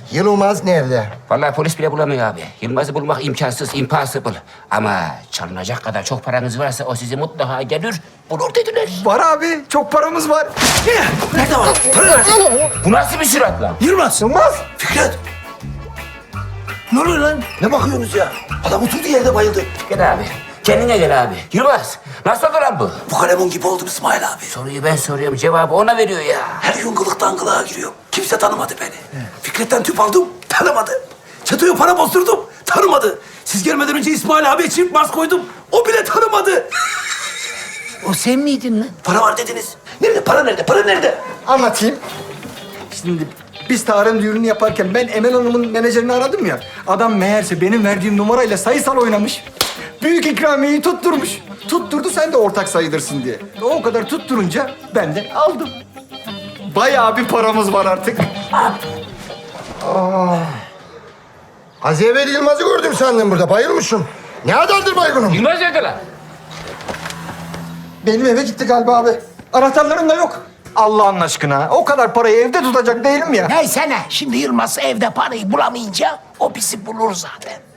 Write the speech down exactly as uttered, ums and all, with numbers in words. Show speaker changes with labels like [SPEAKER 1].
[SPEAKER 1] Yılmaz nerede?
[SPEAKER 2] Vallahi polis bile bulamıyor abi. Yılmaz'ı bulmak imkansız, impossible. Ama çalınacak kadar çok paranız varsa o sizi mutlaka gelir, bulur dediler.
[SPEAKER 3] Var abi, çok paramız var.
[SPEAKER 4] Nerede var? Para nerede?
[SPEAKER 2] Bu nasıl bir sürat lan?
[SPEAKER 4] Yılmaz.
[SPEAKER 1] Yılmaz!
[SPEAKER 4] Fikret. Ne oluyor lan? Ne bakıyorsunuz ya? Adam oturduğu yerde bayıldı.
[SPEAKER 2] Gel abi, kendine gel abi. Yılmaz, nasıl oldu lan bu?
[SPEAKER 4] Bu kalemun gibi oldum İsmail abi.
[SPEAKER 2] Soruyu ben soruyorum, cevabı ona veriyor ya.
[SPEAKER 4] Her gün kılıktan kılığa giriyor. Kimse tanımadı beni. Fikret'ten tüp aldım, tanımadı. Çeto'ya para bozdurdum, tanımadı. Siz gelmeden önce İsmail abiye çift mask koydum. O bile tanımadı.
[SPEAKER 5] O sen miydin lan?
[SPEAKER 4] Para var dediniz. Nerede? Para nerede? Para nerede?
[SPEAKER 3] Anlatayım. Şimdi biz Tarık'ın düğününü yaparken ben Emel Hanım'ın menajerini aradım ya. Adam meğerse benim verdiğim numarayla sayısal oynamış. Büyük ikramiyeyi tutturmuş. Tutturdu sen de ortak sayılırsın diye. O kadar tutturunca ben de aldım. Bayağı bir paramız var artık.
[SPEAKER 1] Az evvel Yılmaz'ı gördüm sandım burada. Bayılmışım. Ne kadardır baygınım?
[SPEAKER 2] Yılmaz nerede lan?
[SPEAKER 3] Benim eve gitti galiba abi. Anahtarlarım da yok. Allah'ın aşkına. O kadar parayı evde tutacak değilim ya.
[SPEAKER 5] Neyse ne, şimdi Yılmaz evde parayı bulamayınca o bizi bulur zaten.